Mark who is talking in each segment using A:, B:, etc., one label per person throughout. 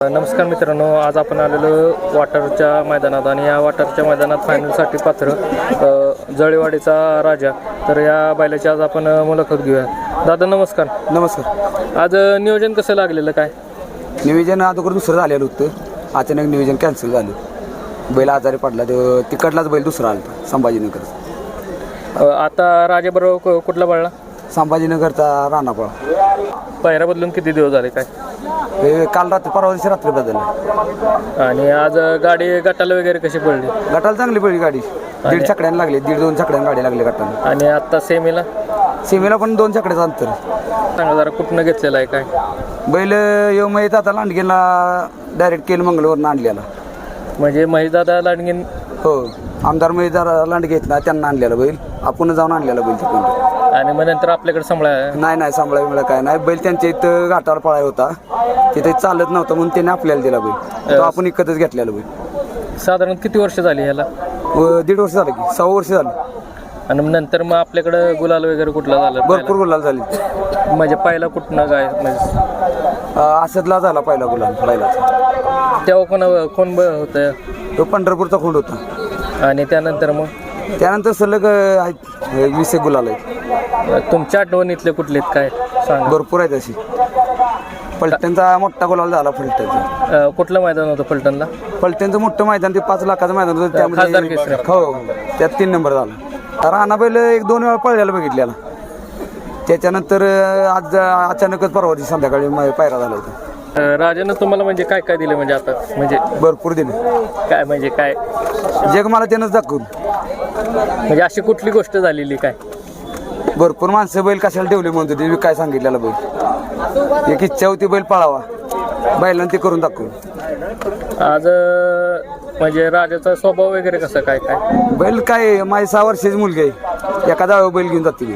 A: नमस्कार मित्रांनो, आज आपण आलेलो वाटरच्या मैदानात आणि या वाटरच्या मैदानात फायनलसाठी पात्र जळेवाडीचा राजा. तर या बैलाची आज आपण मुलाखत घेऊया. दादा नमस्कार.
B: नमस्कार.
A: आज नियोजन कसं लागलेलं काय?
B: नियोजन अगोदर दुसरं झालेलं होतं, अचानक नियोजन कॅन्सल झालं. बैल आजारी पडला, तो तिकडलाच बैल दुसरा आला संभाजीनगर.
A: आता राजाबरोबर कुठला पडला?
B: संभाजीनगरचा राणापळा.
A: पायऱ्या बदलून किती दिवस झाले काय?
B: काल रात्री परवा दिवशी रात्री बदलला.
A: आणि आज गाडी गटाला वगैरे कशी पडली?
B: गटाला चांगली पडली गाडी, 1.5 छकड्यानं लागली, 1.5-2 छकड्यानं गाडी लागली गटाला.
A: आणि आता सेमीला
B: पण 2 छकड्याचं अंतर.
A: सांगा जरा कुठनं घेतलेलं आहे काय?
B: बैल येऊ माहीत आता लांडगेला डायरेक्ट केलं, मंगळवरनं आणलेला.
A: म्हणजे महेशदादा लांडगीन?
B: हो, आमदार महेशदादा लांडगे आहेत ना, त्यांना आणलेला बैल, आपण जाऊन आणलेला बैल तिकडून.
A: आणि मग नंतर आपल्याकडे सांभाळा?
B: नाही सांभाळा मिळा काय नाही. बैल त्यांच्या इथं घाटावर पळाय होता, तिथे चालत नव्हता म्हणून त्याने आपल्याला दिला बैल. तो आपण इकतच घेतलेला बैल.
A: साधारण किती वर्ष झाली ह्याला?
B: 1.5 वर्ष झालं की 6 वर्ष झालं.
A: आणि नंतर मग आपल्याकडं गुलाल वगैरे कुठला झाला?
B: भरपूर गुलाल झाली.
A: म्हणजे पहिला कुठनं काय म्हणजे
B: असदला झाला पहिला गुलाल बैलाचा.
A: तेव्हा कोण होतं?
B: तो पंढरपूरचा खोंड होता.
A: आणि त्यानंतर
B: त्यानंतर सलग 20 गुलाल आहेत.
A: तुमच्या आठवणीतले कुठले काय सांग?
B: भरपूर आहेत अशी. फलटणचा मोठा गुलाल झाला. फलटणचा
A: कुठलं मैदान होतं फलटणला?
B: फलटणचं मोठं मैदान, ते 5 लाखाचं मैदान होतं. त्यामध्ये हो, त्यात 3 नंबर झाला. राणा बैल 1-2 वेळा पळल्याला बघितलेला. त्याच्यानंतर आज अचानकच परवा दिवशी संध्याकाळी पायरा झाला होता.
A: राजानं तुम्हाला म्हणजे काय काय दिलं? म्हणजे आता म्हणजे
B: भरपूर दिले.
A: काय म्हणजे काय
B: जग मला त्यानंच दाखवून.
A: म्हणजे अशी कुठली गोष्ट झालेली काय?
B: भरपूर माणसं बैल कशाला ठेवले म्हणतो ते काय सांगितलेलं. बैल एक इच्छा होती बैल पळावा, बैलांना ते करून दाखवून.
A: आज म्हणजे राजाचा स्वभाव वगैरे कसं काय काय?
B: बैल काय, माझी 6 वर्षाची मुलगी आहे, एका जावं बैल घेऊन जाते.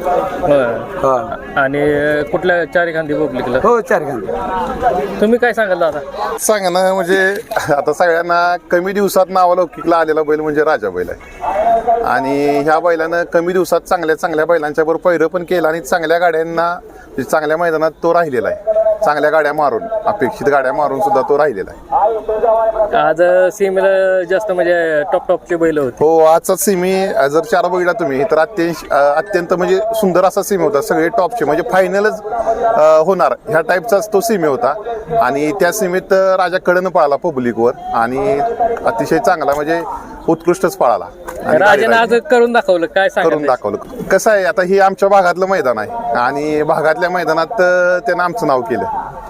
A: आणि कुठल्या 4 खांदी पब्लिकला?
B: हो, 4 खांदी.
A: तुम्ही काय सांगाल दादा?
C: सांगा ना. म्हणजे आता सगळ्यांना कमी दिवसात नावालौकिकला आलेला बैल म्हणजे राजा बैल आहे. आणि ह्या बैलानं कमी दिवसात चांगल्या बैलांच्या बरोबर पैरं पण केलं आणि चांगल्या गाड्यांना, चांगल्या मैदानात तो राहिलेला आहे. चांगल्या गाड्या मारून, अपेक्षित गाड्या मारून सुद्धा तो राहिलेला आहे.
A: आज सीमेला जास्त म्हणजे टॉपचे बैल होते.
C: हो, आजचा सिमी जर 4 बघितला तुम्ही तर अत्यंत म्हणजे सुंदर असा सिमी होता. सगळे टॉपचे म्हणजे फायनलच होणार ह्या टाईपचाच तो सिमी होता. आणि त्या सीमेत राजा कडनं पळाला पब्लिकवर आणि अतिशय चांगला म्हणजे उत्कृष्टच पळाला.
A: राजाने आज करून दाखवलं काय?
C: करून दाखवलं. कसं आहे, आता हे आमच्या भागातलं मैदान आहे आणि भागातल्या मैदानात त्यानं आमचं नाव केलं.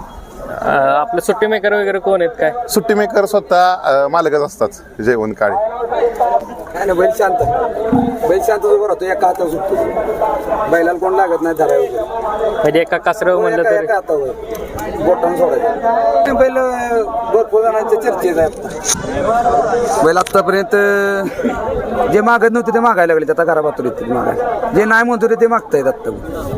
A: आपले सुट्टी मेकर वगैरे कोण आहेत काय?
C: सुट्टी मेकर स्वतः मालकच असतात, जेवण काळी.
B: काय ना, बैल शांत उभा राहतो, एका हातावर सुटतो. बैलाला कोण लागत नाही धरायला.
A: म्हणजे एका कासरावर म्हणलं तरी
B: बोटानं सोडायचं. बैल भरपूर जणांच्या चर्चेत आहे. बैल आतापर्यंत जे मागत नव्हते ते मागायला लागले, आता घराबातून येते मागायला. जे नाही म्हणतो ते मागतायत आता.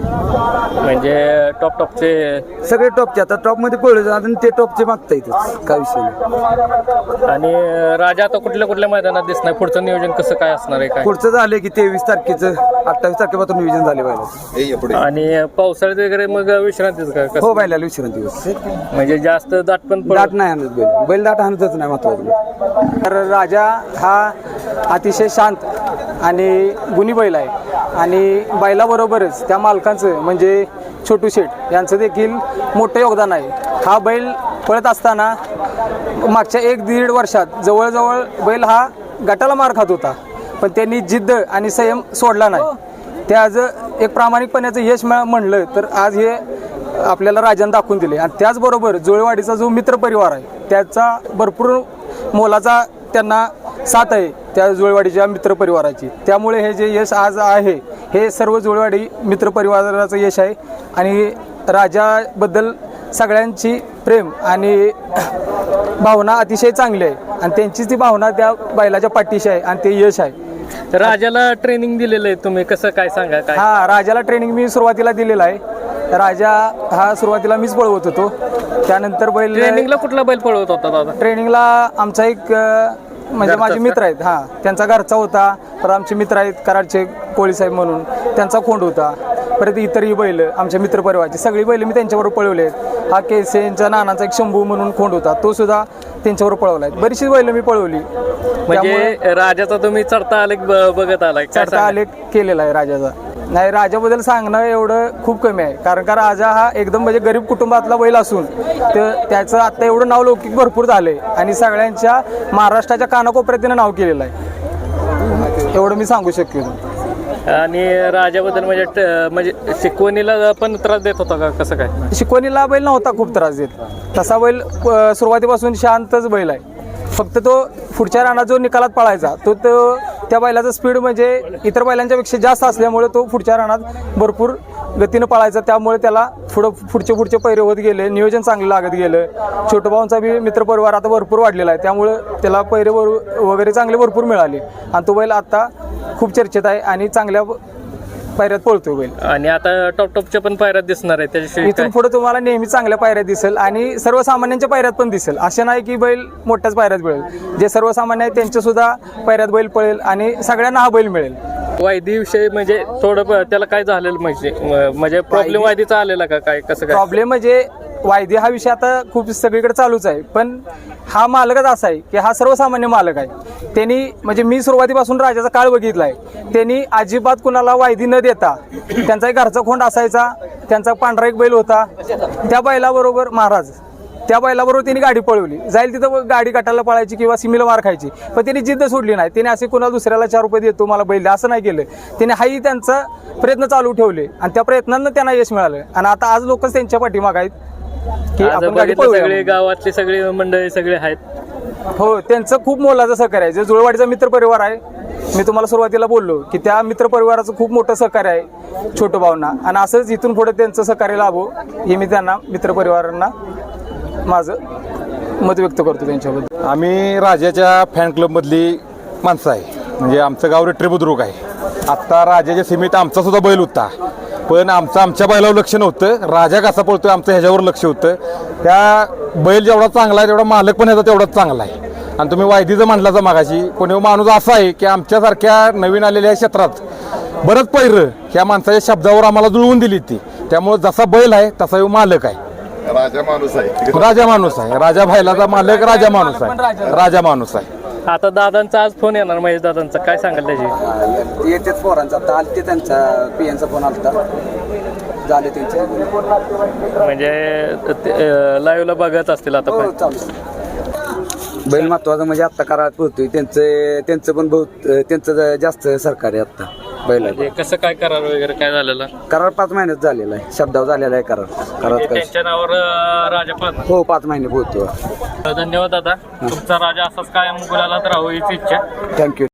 A: म्हणजे टॉपचे
B: सगळे टॉपचे आता टॉपमध्ये पळले आणि ते टॉपचे मागता येतच, काय विषय नाही.
A: आणि राजा आता कुठल्या मैदानात दिसणार? पुढचं नियोजन कसं काय असणार आहे काय?
B: पुढचं झालं की 23 तारखेचं 28 तारखेपासून नियोजन झाले बैलाचं.
A: आणि पावसाळ्यात वगैरे मग विश्रांतीच का?
B: हो, बैलाला विश्रांती.
A: म्हणजे जास्त दाट पण
B: दाट नाही आणत बैल दाट आणतच नाही महत्वाचं.
D: तर राजा हा अतिशय शांत आणि गुणी बैल आहे. आणि बैलाबरोबरच त्या मालकांचं म्हणजे छोटू शेठ यांचं देखील मोठं योगदान आहे. हा बैल पळत असताना मागच्या 1-1.5 वर्षात जवळजवळ बैल हा गटाला मार खात होता, पण त्यांनी जिद्द आणि संयम सोडला नाही. ते आज एक प्रामाणिकपणाचं यश म्हणलं तर आज हे आपल्याला राजाने दाखवून दिले. आणि त्याचबरोबर जुळेवाडीचा जो मित्रपरिवार आहे त्याचा भरपूर मोलाचा त्यांना साथ आहे, त्या जुळेवाडीच्या मित्रपरिवाराची. त्यामुळे हे जे यश आज आहे हे सर्व जुळेवाडी मित्रपरिवाराचं यश आहे. आणि राजाबद्दल सगळ्यांची प्रेम आणि भावना अतिशय चांगली आहे आणि त्यांचीच ती भावना त्या बैलाच्या पाठीशी आहे आणि ते यश आहे.
A: तर राजाला ट्रेनिंग दिलेलं आहे तुम्ही, कसं काय सांगा काय?
D: हा, राजाला ट्रेनिंग मी सुरुवातीला दिलेलं आहे. राजा हा सुरुवातीला मीच पळवत होतो. त्यानंतर बैल
A: ट्रेनिंगला कुठला बैल पळवत होता दादा?
D: ट्रेनिंगला आमचा एक म्हणजे माझे मित्र आहेत, त्यांचा घरचा होता. तर आमचे मित्र आहेत कराडचे कोळी साहेब म्हणून, त्यांचा खोंड होता. परत इतरही बैल आमच्या मित्रपरिवाराची सगळी बैल मी त्यांच्याबरोबर पळवले आहेत. हा केसेंच्या नानाचा एक शंभू म्हणून खोंड होता, तो सुद्धा त्यांच्याबरोबर पळवला आहे. बरीचशी बैल मी पळवली.
A: म्हणजे राजाचा तुम्ही चढता आलेख बघत आलाय काय
D: चढता आलेख केलेला आहे राजाचा. नाही, राजाबद्दल सांगणं एवढं खूप कमी आहे, कारण का राजा हा एकदम म्हणजे गरीब कुटुंबातला बैल असून तर त्याचं आता एवढं नाव लौकिक भरपूर झालंय आणि सगळ्यांच्या महाराष्ट्राच्या कानाकोपऱ्यात त्यानं नाव केलेलं आहे, एवढं मी सांगू शकेन.
A: आणि राजाबद्दल म्हणजे शिकवणीला पण त्रास देत होता का कसं काय?
D: शिकवणीला बैल नव्हता खूप त्रास देत, तसा बैल सुरुवातीपासून शांतच बैल आहे. फक्त तो पुढच्या रानात जो निकालात पळायचा तो त्या बैलाचा स्पीड म्हणजे इतर बैलांच्या पेक्षा जास्त असल्यामुळे तो पुढच्या रानात भरपूर गतीनं पळायचा, त्यामुळे त्याला पुढचे पैरे होत गेले, नियोजन चांगलं लागत गेलं. छोटोभाऊंचा बी मित्रपरिवार आता भरपूर वाढलेला आहे, त्यामुळे त्याला पैरे वगैरे चांगले भरपूर मिळाले आणि तो बैल आता खूप चर्चेत आहे आणि चांगल्या पायऱ्यात पळतो बैल.
A: आणि आता टॉपच्या पण पायऱ्यात दिसणार आहे त्याच्याशिवाय
D: इथून पुढे तुम्हाला नेहमी चांगल्या पायऱ्यात दिसेल आणि सर्वसामान्यांच्या पायऱ्यात पण दिसेल. असे नाही की बैल मोठ्याच पायऱ्यात पळेल, जे सर्वसामान्य आहेत त्यांच्या सुद्धा पायऱ्यात बैल पळेल आणि सगळ्यांना हा बैल मिळेल.
A: वायदीविषयी म्हणजे थोडं त्याला काय झालेलं म्हणजे प्रॉब्लेम वायदीचा आलेला का काय कसं काय?
D: प्रॉब्लेम म्हणजे वायदे हा विषय आता खूप सगळीकडे चालूच आहे, पण हा मालकच असा आहे की हा सर्वसामान्य मालक आहे. त्यांनी म्हणजे मी सुरुवातीपासून राजाचा काळ बघितलाय, त्यांनी अजिबात कुणाला वायदी न देता त्यांचा एक घरचा खोंड असायचा, त्यांचा पांढरा एक बैल होता, त्या बैलाबरोबर महाराज त्या बैलाबरोबर त्यांनी गाडी पळवली, जाईल तिथं गाडी काटायला पळायची किंवा सिमीला मार खायची, पण त्यांनी जिद्द सोडली नाही. त्यांनी असे कुणाला दुसऱ्याला 4 रुपये देतो मला बैल असं नाही केलं, त्यांनी हाही त्यांचा प्रयत्न चालू ठेवले आणि त्या प्रयत्नांना त्यांना यश मिळालं आणि आता आज लोकच त्यांच्या पाठीमाग आहेत की आपण गाडी पळवूया.
A: सगळे गावातली सगळी मंडळी सगळे आहेत.
D: हो, त्यांचं खूप मोलाचं सहकार्य आहे. जे जुळवाडीचा मित्रपरिवार आहे, मी तुम्हाला सुरुवातीला बोललो की त्या मित्रपरिवाराचं खूप मोठं सहकार्य आहे छोटोभाऊंना आणि असंच इथून पुढे त्यांचं सहकार्य लाभो हे मी त्यांना मित्रपरिवारांना माझं मत व्यक्त करतो त्यांच्याबद्दल.
E: आम्ही राजाच्या फॅन क्लबमधली माणसं आहे, म्हणजे आमचं गाव रेट्रे बुद्रुक आहे. आत्ता राजाच्या सीमेत आमचा सुद्धा बैल होता, पण आमच्या बैलावर लक्ष नव्हतं, राजा कसा पळतोय आमचं ह्याच्यावर लक्ष होतं. त्या बैल जेवढा चांगला आहे तेवढा मालक पण ह्याचा तेवढाच चांगला आहे. आणि तुम्ही वायदीचं म्हटलाचा मागाशी, कोणी माणूस असा आहे की आमच्यासारख्या नवीन आलेल्या क्षेत्रात बरंच पैरं ह्या माणसाच्या शब्दावर आम्हाला जुळवून दिली ती. त्यामुळे जसा बैल आहे तसा ह्यो मालक आहे,
C: राजा माणूस आहे.
E: राजा माणूस आहे. राजा बैलाचा मालक राजा माणूस आहे, राजा माणूस आहे.
A: आता दादांचा आज फोन येणार, महेश दादांचा काय सांगाल त्याची?
B: येतेच पोरांचा आता आलते, त्यांचा पियांचा फोन आलता, झाले त्यांचे
A: म्हणजे लाईव्हला बघत असतील आता पण.
B: बैल महत्वाचं म्हणजे आत्ता करायला पोहतोय, त्यांचं पण बहुत त्यांचं जास्त सरकार आहे आत्ता बैलाचं.
A: म्हणजे कसं काय करार वगैरे काय झालेलं?
B: करार 5 महिन्यात झालेला आहे, शब्दावर झालेला आहे करार. काय
A: त्यांच्या नावावर राजा पाहणार.
B: हो 5 महिने पोहतो.
A: धन्यवाद दादा, तुमचा राजा असाच कायम गुलालात राहू हीच इच्छा.
B: थँक्यू.